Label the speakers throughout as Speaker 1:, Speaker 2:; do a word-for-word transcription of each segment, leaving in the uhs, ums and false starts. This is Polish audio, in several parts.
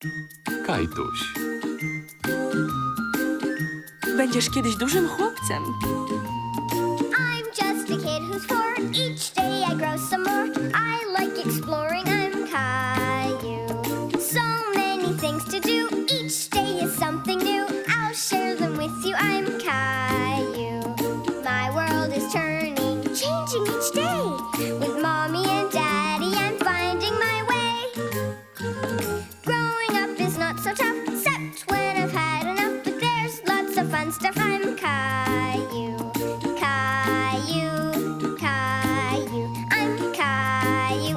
Speaker 1: Kajtuś.
Speaker 2: Będziesz kiedyś dużym chłopcem.
Speaker 3: I'm just a kid who's four. Each day I grow some more. I like exploring. I'm Caillou. So many things to do. Each day is something new. I'll share them with you. I'm Caillou. My world is turning, changing each day. With mommy and daddy, I'm finding my way. Growing up is not so tough, except when I've had enough. But there's lots of fun stuff. I'm Caillou. Caillou, Caillou, I'm Caillou.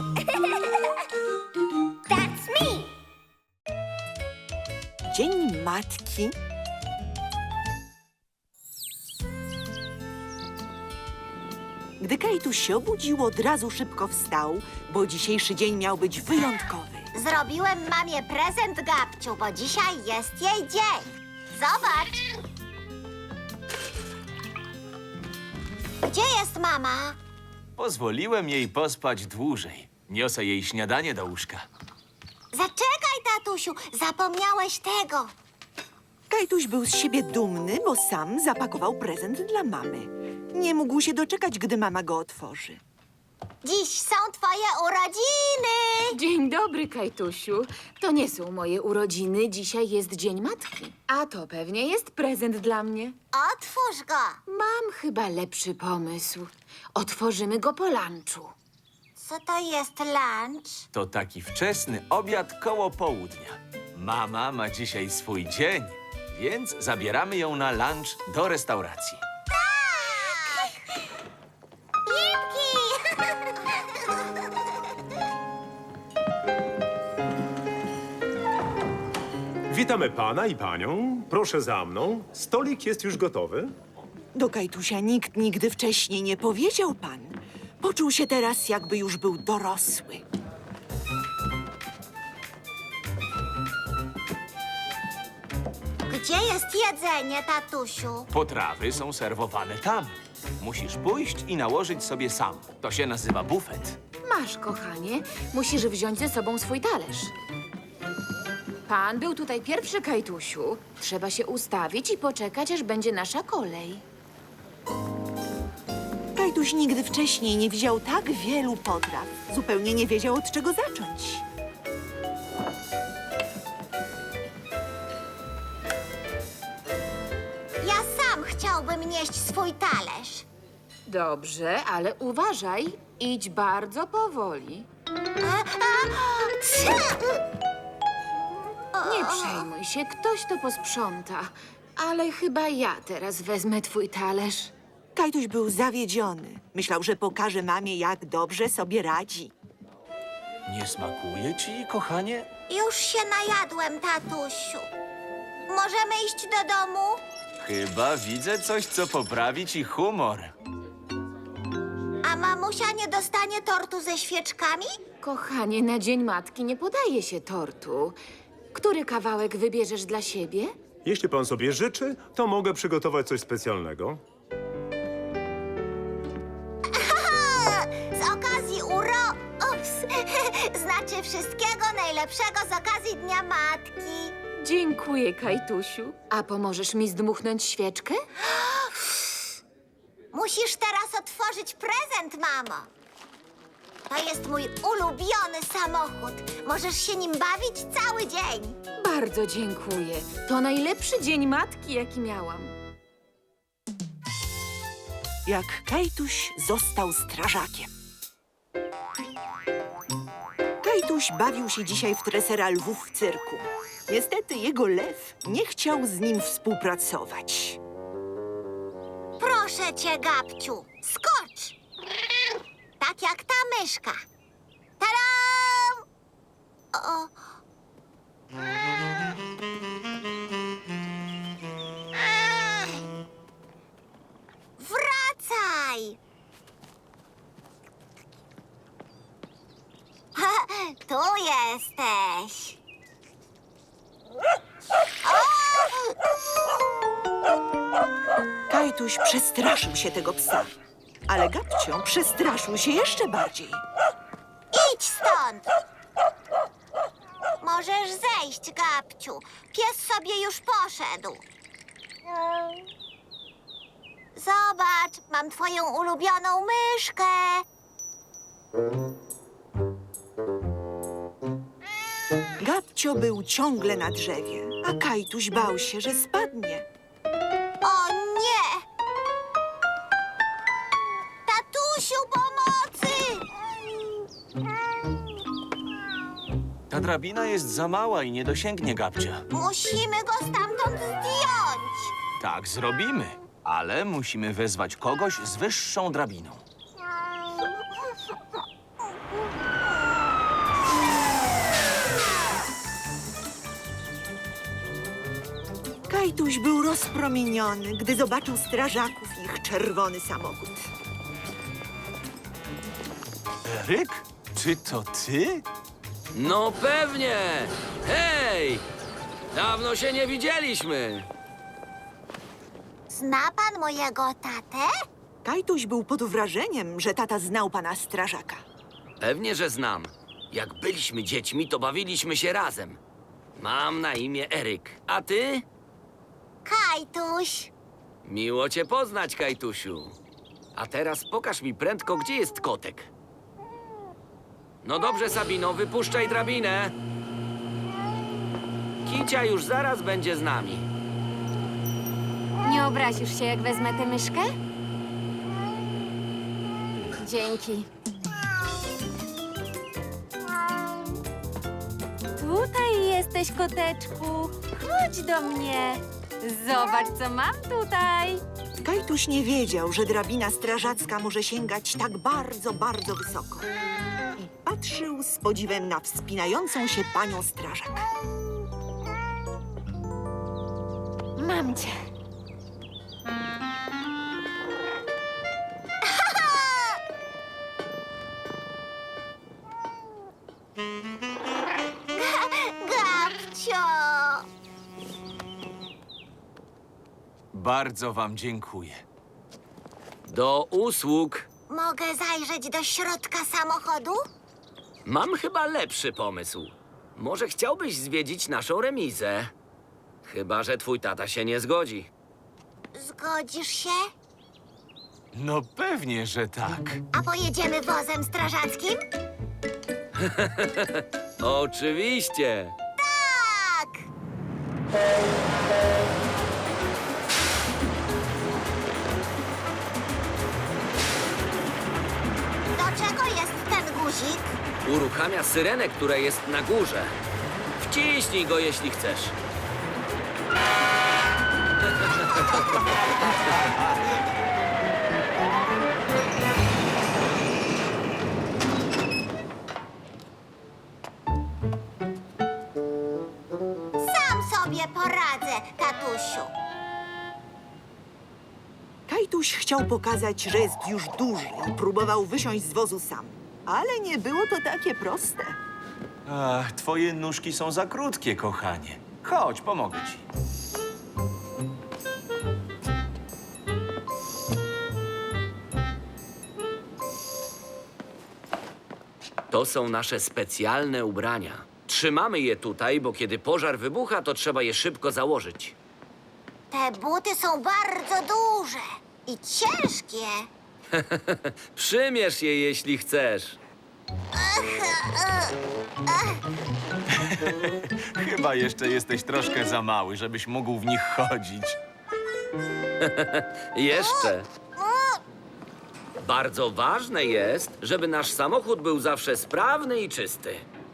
Speaker 3: That's me.
Speaker 4: Dzień Matki. Gdy Kajtuś się obudził, od razu szybko wstał, bo dzisiejszy dzień miał być wyjątkowy.
Speaker 5: Zrobiłem mamie prezent, Gabciu, bo dzisiaj jest jej dzień. Zobacz. Gdzie jest mama?
Speaker 6: Pozwoliłem jej pospać dłużej. Niosę jej śniadanie do łóżka.
Speaker 5: Zaczekaj, tatusiu, zapomniałeś tego.
Speaker 4: Kajtuś był z siebie dumny, bo sam zapakował prezent dla mamy. Nie mógł się doczekać, gdy mama go otworzy.
Speaker 5: Dziś są twoje urodziny.
Speaker 2: Dzień dobry, Kajtusiu. To nie są moje urodziny, dzisiaj jest Dzień Matki. A to pewnie jest prezent dla mnie.
Speaker 5: Otwórz go.
Speaker 2: Mam chyba lepszy pomysł. Otworzymy go po lunchu.
Speaker 5: Co to jest lunch?
Speaker 6: To taki wczesny obiad koło południa. Mama ma dzisiaj swój dzień, więc zabieramy ją na lunch do restauracji.
Speaker 5: Jipki!
Speaker 7: Witamy pana i panią. Proszę za mną. Stolik jest już gotowy.
Speaker 4: Do Kajtusia nikt nigdy wcześniej nie powiedział pan. Poczuł się teraz, jakby już był dorosły.
Speaker 5: Gdzie jest jedzenie, tatusiu?
Speaker 6: Potrawy są serwowane tam. Musisz pójść i nałożyć sobie sam. To się nazywa bufet.
Speaker 2: Masz, kochanie, musisz wziąć ze sobą swój talerz. Pan był tutaj pierwszy, Kajtusiu. Trzeba się ustawić i poczekać, aż będzie nasza kolej.
Speaker 4: Kajtuś nigdy wcześniej nie widział tak wielu potraw. Zupełnie nie wiedział, od czego zacząć.
Speaker 5: Ja sam chciałbym nieść swój talerz.
Speaker 2: Dobrze, ale uważaj. Idź bardzo powoli.
Speaker 5: A, a, cia!
Speaker 2: Nie przejmuj się, ktoś to posprząta. Ale chyba ja teraz wezmę twój talerz.
Speaker 4: Kajtuś był zawiedziony. Myślał, że pokaże mamie, jak dobrze sobie radzi.
Speaker 6: Nie smakuje ci, kochanie?
Speaker 5: Już się najadłem, tatusiu. Możemy iść do domu?
Speaker 6: Chyba widzę coś, co poprawi ci humor.
Speaker 5: A mamusia nie dostanie tortu ze świeczkami?
Speaker 2: Kochanie, na Dzień Matki nie podaje się tortu. Który kawałek wybierzesz dla siebie?
Speaker 7: Jeśli pan sobie życzy, to mogę przygotować coś specjalnego.
Speaker 5: Z okazji uro... Ups. Znaczy wszystkiego najlepszego z okazji Dnia Matki.
Speaker 2: Dziękuję, Kajtusiu. A pomożesz mi zdmuchnąć świeczkę?
Speaker 5: Musisz teraz otworzyć prezent, mamo. To jest mój ulubiony samochód. Możesz się nim bawić cały dzień.
Speaker 2: Bardzo dziękuję. To najlepszy Dzień Matki, jaki miałam.
Speaker 4: Jak Kajtuś został strażakiem. Kajtuś bawił się dzisiaj w tresera lwów w cyrku. Niestety jego lew nie chciał z nim współpracować.
Speaker 5: Proszę cię, Gabciu, skocz! Tak jak ta myszka. Tadam! O. Ach! Wracaj! Ha, tu jesteś.
Speaker 4: Kajtuś przestraszył się tego psa, ale Gabcio przestraszył się jeszcze bardziej.
Speaker 5: Idź stąd! Może Możesz zejść, Gabciu. Pies sobie już poszedł. Zobacz, mam twoją ulubioną myszkę.
Speaker 4: Gabcio był ciągle na drzewie, a Kajtuś bał się, że spadnie.
Speaker 5: O nie! Tatusiu, pomocy!
Speaker 6: Ta drabina jest za mała i nie dosięgnie Gabcia.
Speaker 5: Musimy go stamtąd zdjąć.
Speaker 6: Tak zrobimy, ale musimy wezwać kogoś z wyższą drabiną.
Speaker 4: Kajtuś był rozpromieniony, gdy zobaczył strażaków i ich czerwony samochód.
Speaker 6: Eryk? Czy to ty?
Speaker 1: No pewnie! Hej! Dawno się nie widzieliśmy!
Speaker 5: Zna pan mojego tatę?
Speaker 4: Kajtuś był pod wrażeniem, że tata znał pana strażaka.
Speaker 1: Pewnie, że znam. Jak byliśmy dziećmi, to bawiliśmy się razem. Mam na imię Eryk. A ty?
Speaker 5: Kajtuś.
Speaker 1: Miło cię poznać, Kajtusiu. A teraz pokaż mi prędko, gdzie jest kotek. No dobrze, Sabino, wypuszczaj drabinę. Kicia już zaraz będzie z nami.
Speaker 8: Nie obrazisz się, jak wezmę tę myszkę? Dzięki. Tutaj jesteś, koteczku. Chodź do mnie. Zobacz, co mam tutaj.
Speaker 4: Kajtuś nie wiedział, że drabina strażacka może sięgać tak bardzo, bardzo wysoko. I patrzył z podziwem na wspinającą się panią strażak.
Speaker 8: Mam cię.
Speaker 5: Gabcio.
Speaker 6: Bardzo wam dziękuję.
Speaker 1: Do usług.
Speaker 5: Mogę zajrzeć do środka samochodu?
Speaker 1: Mam chyba lepszy pomysł. Może chciałbyś zwiedzić naszą remizę? Chyba że twój tata się nie zgodzi.
Speaker 5: Zgodzisz się?
Speaker 6: No pewnie, że tak.
Speaker 5: A pojedziemy wozem strażackim?
Speaker 1: Oczywiście.
Speaker 5: Tak! Do czego jest ten guzik?
Speaker 1: Uruchamia syrenę, która jest na górze. Wciśnij go, jeśli chcesz.
Speaker 5: Sam sobie poradzę, tatusiu.
Speaker 4: Kajtuś chciał pokazać, że jest już duży i próbował wysiąść z wozu sam. Ale nie było to takie proste.
Speaker 6: Ach, twoje nóżki są za krótkie, kochanie. Chodź, pomogę ci.
Speaker 1: To są nasze specjalne ubrania. Trzymamy je tutaj, bo kiedy pożar wybucha, to trzeba je szybko założyć.
Speaker 5: Te buty są bardzo duże i ciężkie.
Speaker 1: Przymierz je, jeśli chcesz.
Speaker 6: Chyba jeszcze jesteś troszkę za mały, żebyś mógł w nich chodzić.
Speaker 1: Jeszcze. Bardzo ważne jest, żeby nasz samochód był zawsze sprawny i czysty.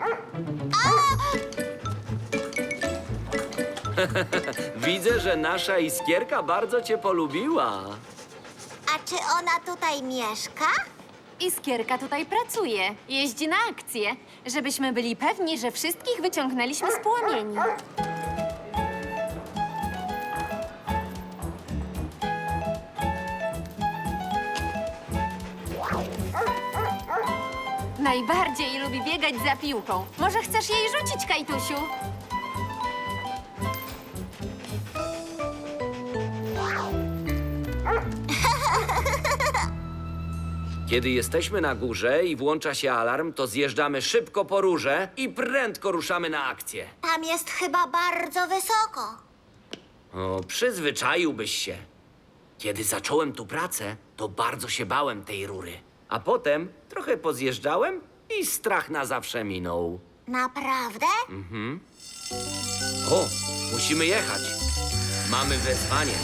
Speaker 1: Widzę, że nasza iskierka bardzo cię polubiła.
Speaker 5: A czy ona tutaj mieszka?
Speaker 8: Iskierka tutaj pracuje. Jeździ na akcje, żebyśmy byli pewni, że wszystkich wyciągnęliśmy z płomieni. Najbardziej lubi biegać za piłką. Może chcesz jej rzucić, Kajtusiu?
Speaker 1: Kiedy jesteśmy na górze i włącza się alarm, to zjeżdżamy szybko po róże i prędko ruszamy na akcję.
Speaker 5: Tam jest chyba bardzo wysoko.
Speaker 1: O, przyzwyczaiłbyś się. Kiedy zacząłem tu pracę, to bardzo się bałem tej rury. A potem trochę pozjeżdżałem i strach na zawsze minął.
Speaker 5: Naprawdę?
Speaker 1: O, musimy jechać. Mamy wezwanie.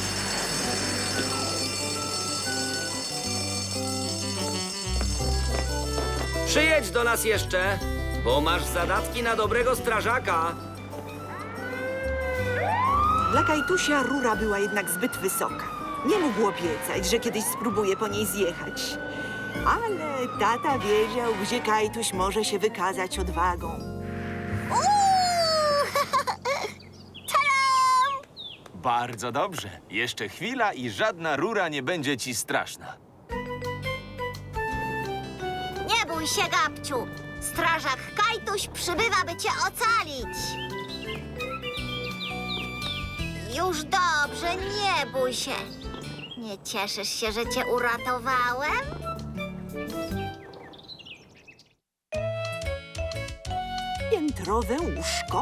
Speaker 1: Przyjedź do nas jeszcze, bo masz zadatki na dobrego strażaka.
Speaker 4: Dla Kajtusia rura była jednak zbyt wysoka. Nie mógł obiecać, że kiedyś spróbuje po niej zjechać. Ale tata wiedział, gdzie Kajtuś może się wykazać odwagą.
Speaker 6: Bardzo dobrze. Jeszcze chwila i żadna rura nie będzie ci straszna.
Speaker 5: Nie bój się, Gabciu. Strażak Kajtuś przybywa, by cię ocalić. Już dobrze, nie bój się. Nie cieszysz się, że cię uratowałem?
Speaker 4: Piętrowe łóżko.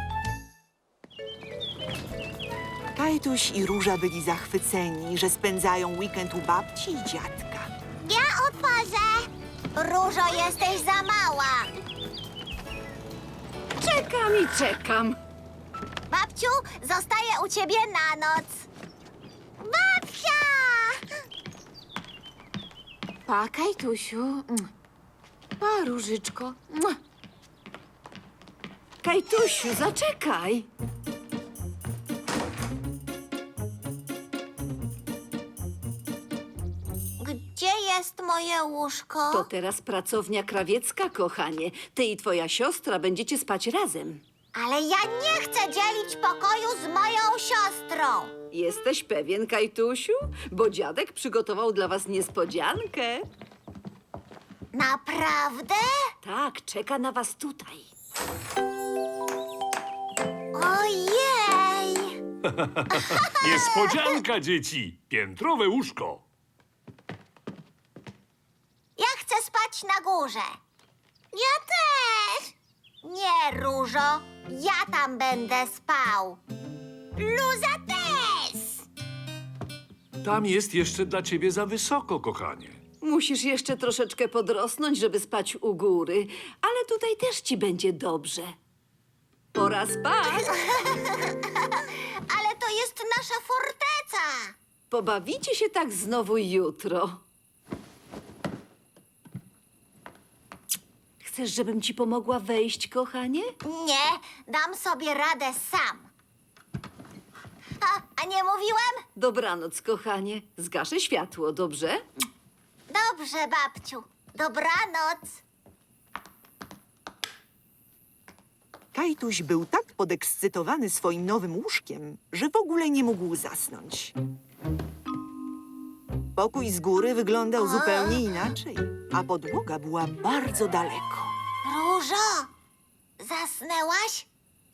Speaker 4: Kajtuś i Róża byli zachwyceni, że spędzają weekend u babci i dziadka.
Speaker 5: Ja otworzę. Różo, jesteś za mała.
Speaker 2: Czekam i czekam.
Speaker 5: Babciu, zostaję u ciebie na noc. Babcia!
Speaker 2: Pa, Kajtusiu. Mm. Pa, Różyczko. Mua.
Speaker 9: Kajtusiu, zaczekaj.
Speaker 5: Gdzie jest moje łóżko?
Speaker 9: To teraz pracownia krawiecka, kochanie. Ty i twoja siostra będziecie spać razem.
Speaker 5: Ale ja nie chcę dzielić pokoju z moją siostrą.
Speaker 9: Jesteś pewien, Kajtusiu? Bo dziadek przygotował dla was niespodziankę.
Speaker 5: Naprawdę?
Speaker 9: Tak, czeka na was tutaj.
Speaker 5: Ojej!
Speaker 7: Niespodzianka, dzieci! Piętrowe łóżko.
Speaker 5: Ja chcę spać na górze. Ja też. Nie, Różo. Ja tam będę spał. Luza też.
Speaker 10: Tam jest jeszcze dla ciebie za wysoko, kochanie.
Speaker 9: Musisz jeszcze troszeczkę podrosnąć, żeby spać u góry. Ale tutaj też ci będzie dobrze. Pora spać.
Speaker 5: Ale to jest nasza forteca.
Speaker 9: Pobawicie się tak znowu jutro. Chcesz, żebym ci pomogła wejść, kochanie?
Speaker 5: Nie, dam sobie radę sam. A, a nie mówiłem?
Speaker 9: Dobranoc, kochanie. Zgaszę światło, dobrze?
Speaker 5: Dobrze, babciu. Dobranoc.
Speaker 4: Kajtuś był tak podekscytowany swoim nowym łóżkiem, że w ogóle nie mógł zasnąć. Pokój z góry wyglądał zupełnie inaczej, a podłoga była bardzo daleko.
Speaker 5: Różo, zasnęłaś?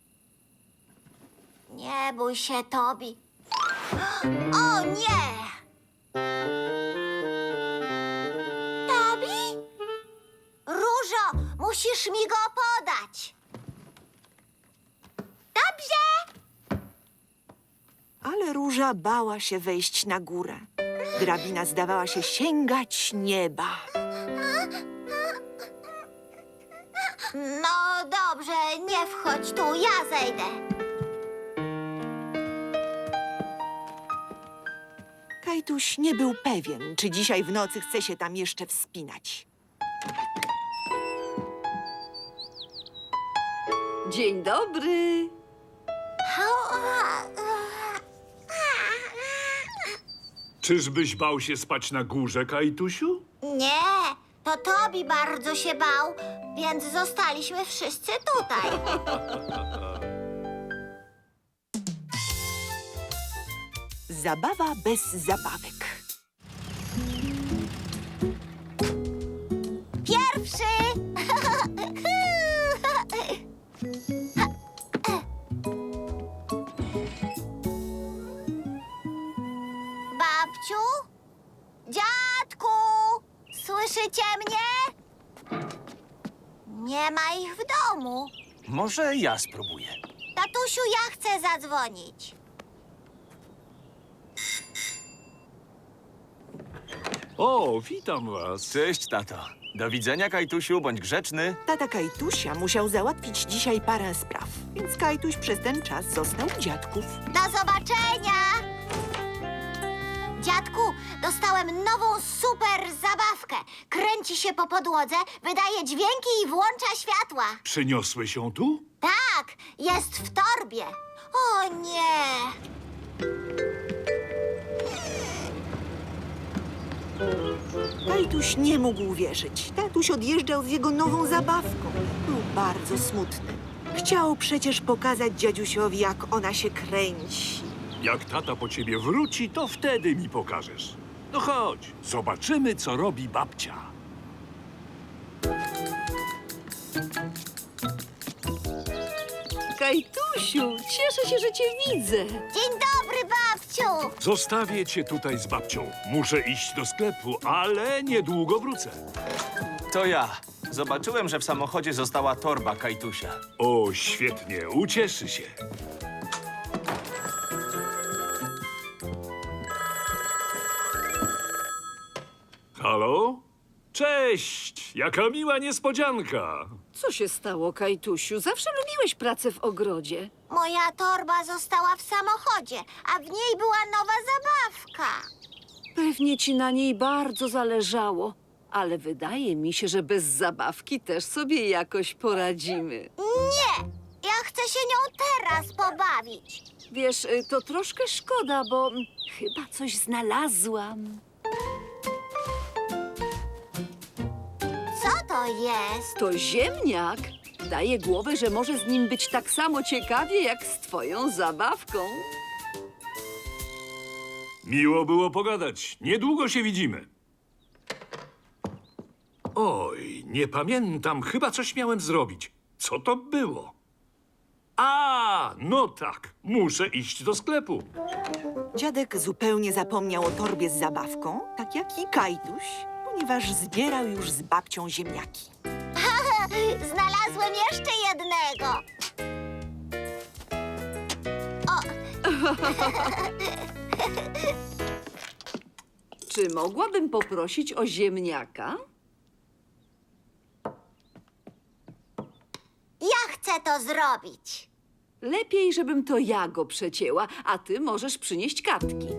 Speaker 5: Nie bój się, Tobi. O nie! Tobi? Różo, musisz mi go podać. Dobrze.
Speaker 4: Ale Róża bała się wejść na górę. Drabina zdawała się sięgać nieba.
Speaker 5: No dobrze, nie wchodź tu, ja zejdę.
Speaker 4: Kajtuś nie był pewien, czy dzisiaj w nocy chce się tam jeszcze wspinać.
Speaker 9: Dzień dobry.
Speaker 10: Czyżbyś bał się spać na górze, Kajtusiu?
Speaker 5: Nie, to Tobi bardzo się bał, więc zostaliśmy wszyscy tutaj.
Speaker 4: Zabawa bez zabawek.
Speaker 5: Pierwszy! Babciu? Dziadku! Słyszysz Słyszycie mnie? Nie ma ich w domu.
Speaker 6: Może ja spróbuję.
Speaker 5: Tatusiu, ja chcę zadzwonić.
Speaker 10: O, witam was.
Speaker 6: Cześć, tato. Do widzenia, Kajtusiu, bądź grzeczny.
Speaker 4: Tata Kajtusia musiał załatwić dzisiaj parę spraw, więc Kajtuś przez ten czas został u dziadków.
Speaker 5: Do zobaczenia! Dziadku, dostałem nową super zabawkę. Kręci się po podłodze, wydaje dźwięki i włącza światła.
Speaker 10: Przyniosłeś ją tu?
Speaker 5: Tak, jest w torbie. O nie!
Speaker 4: Kajtuś nie mógł uwierzyć. Tatuś odjeżdżał z jego nową zabawką. Był bardzo smutny. Chciał przecież pokazać dziadusiowi, jak ona się kręci.
Speaker 10: Jak tata po ciebie wróci, to wtedy mi pokażesz. No chodź, zobaczymy, co robi babcia.
Speaker 9: Kajtusiu, cieszę się, że cię widzę.
Speaker 5: Dzień dobry, babciu!
Speaker 10: Zostawię cię tutaj z babcią. Muszę iść do sklepu, ale niedługo wrócę.
Speaker 6: To ja. Zobaczyłem, że w samochodzie została torba Kajtusia.
Speaker 10: O, świetnie, ucieszy się. Halo? Cześć! Jaka miła niespodzianka!
Speaker 9: Co się stało, Kajtusiu? Zawsze lubiłeś pracę w ogrodzie.
Speaker 5: Moja torba została w samochodzie, a w niej była nowa zabawka.
Speaker 9: Pewnie ci na niej bardzo zależało, ale wydaje mi się, że bez zabawki też sobie jakoś poradzimy.
Speaker 5: Nie! Ja chcę się nią teraz pobawić.
Speaker 9: Wiesz, y, to troszkę szkoda, bo mm, chyba coś znalazłam.
Speaker 5: Co to jest?
Speaker 9: To ziemniak. Daje głowę, że może z nim być tak samo ciekawie, jak z twoją zabawką.
Speaker 10: Miło było pogadać. Niedługo się widzimy. Oj, nie pamiętam. Chyba coś miałem zrobić. Co to było? A, no tak. Muszę iść do sklepu.
Speaker 4: Dziadek zupełnie zapomniał o torbie z zabawką, tak jak i Kajtuś, ponieważ zbierał już z babcią ziemniaki.
Speaker 5: Znalazłem jeszcze jednego.
Speaker 9: Czy mogłabym poprosić o ziemniaka?
Speaker 5: Ja chcę to zrobić.
Speaker 9: Lepiej, żebym to ja go przecięła, a ty możesz przynieść kartki.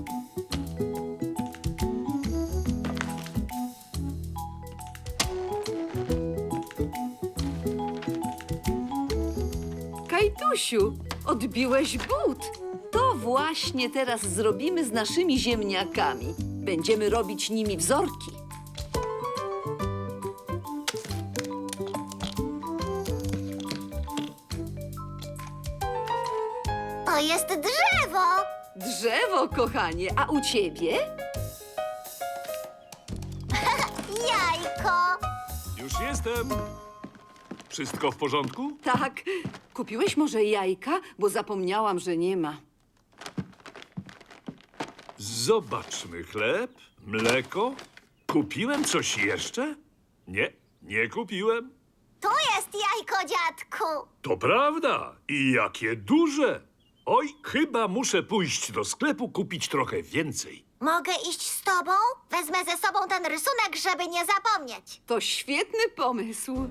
Speaker 9: Kajtusiu, odbiłeś but. To właśnie teraz zrobimy z naszymi ziemniakami. Będziemy robić nimi wzorki.
Speaker 5: To jest drzewo.
Speaker 9: Drzewo, kochanie, a u ciebie?
Speaker 5: Jajko.
Speaker 10: Już jestem. Wszystko w porządku?
Speaker 9: Tak. Kupiłeś może jajka? Bo zapomniałam, że nie ma.
Speaker 10: Zobaczmy chleb, mleko. Kupiłem coś jeszcze? Nie, nie kupiłem.
Speaker 5: Tu jest jajko, dziadku.
Speaker 10: To prawda. I jakie duże. Oj, chyba muszę pójść do sklepu kupić trochę więcej.
Speaker 5: Mogę iść z tobą? Wezmę ze sobą ten rysunek, żeby nie zapomnieć.
Speaker 9: To świetny pomysł.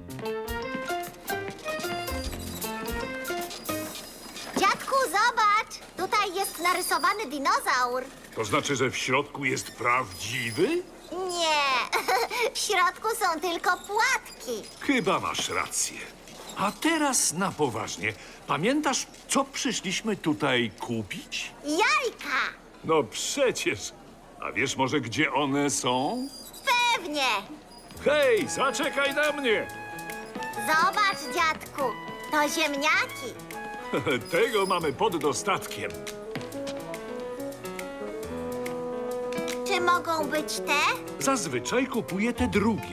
Speaker 5: Dziadku, zobacz. Tutaj jest narysowany dinozaur.
Speaker 10: To znaczy, że w środku jest prawdziwy?
Speaker 5: Nie, w środku są tylko płatki.
Speaker 10: Chyba masz rację. A teraz na poważnie. Pamiętasz, co przyszliśmy tutaj kupić?
Speaker 5: Jajka.
Speaker 10: No przecież. A wiesz może, gdzie one są?
Speaker 5: Pewnie.
Speaker 10: Hej, zaczekaj na mnie!
Speaker 5: Zobacz, dziadku. To ziemniaki.
Speaker 10: Tego mamy pod dostatkiem.
Speaker 5: Czy mogą być te?
Speaker 10: Zazwyczaj kupuję te drugie.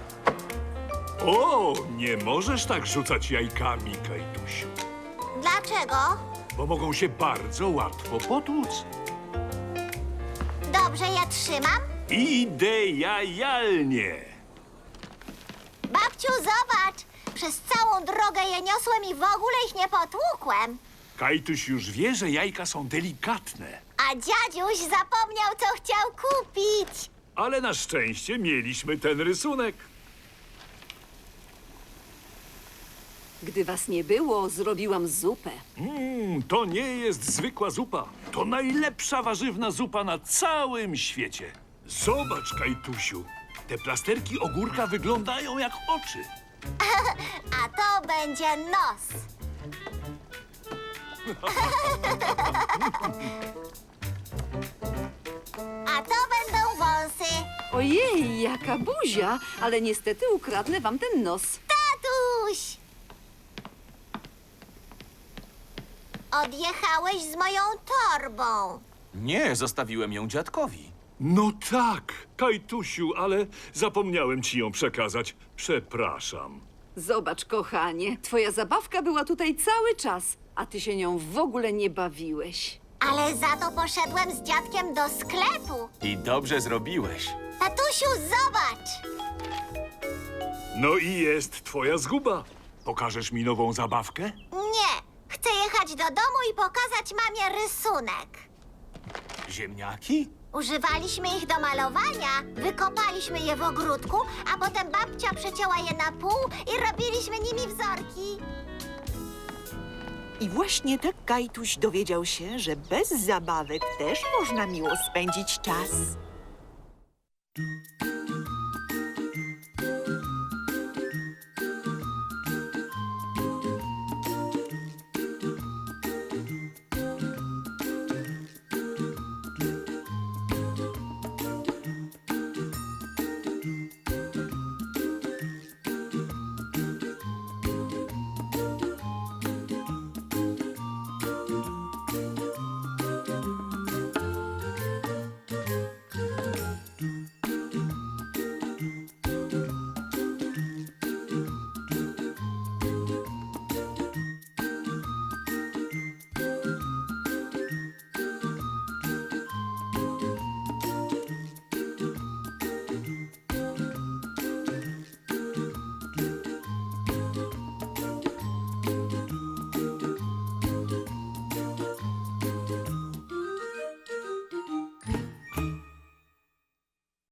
Speaker 10: O, nie możesz tak rzucać jajkami, Kajtusiu,
Speaker 5: Dlaczego?
Speaker 10: bo mogą się bardzo łatwo potłuc.
Speaker 5: Dobrze, ja trzymam.
Speaker 10: Idealnie!
Speaker 5: Babciu, zobacz! Przez całą drogę je niosłem i w ogóle ich nie potłukłem.
Speaker 10: Kajtuś już wie, że jajka są delikatne.
Speaker 5: A dziadziuś zapomniał, co chciał kupić.
Speaker 10: Ale na szczęście mieliśmy ten rysunek.
Speaker 9: Gdy was nie było, zrobiłam zupę.
Speaker 10: Mmm, to nie jest zwykła zupa. To najlepsza warzywna zupa na całym świecie. Zobacz, Kajtusiu. Te plasterki ogórka wyglądają jak oczy.
Speaker 5: A to będzie nos. A to będą wąsy.
Speaker 9: Ojej, jaka buzia! Ale niestety ukradnę wam ten nos.
Speaker 5: Tatuś! Odjechałeś z moją torbą.
Speaker 6: Nie, zostawiłem ją dziadkowi.
Speaker 10: No tak, Kajtusiu, ale zapomniałem ci ją przekazać. Przepraszam.
Speaker 9: Zobacz, kochanie, twoja zabawka była tutaj cały czas, a ty się nią w ogóle nie bawiłeś.
Speaker 5: Ale za to poszedłem z dziadkiem do sklepu.
Speaker 6: I dobrze zrobiłeś.
Speaker 5: Tatusiu, zobacz!
Speaker 10: No i jest twoja zguba. Pokażesz mi nową zabawkę?
Speaker 5: Nie, chcę jechać do domu i pokazać mamie rysunek.
Speaker 10: Ziemniaki?
Speaker 5: Używaliśmy ich do malowania, wykopaliśmy je w ogródku, a potem babcia przecięła je na pół i robiliśmy nimi wzorki.
Speaker 4: I właśnie tak Kajtuś dowiedział się, że bez zabawek też można miło spędzić czas.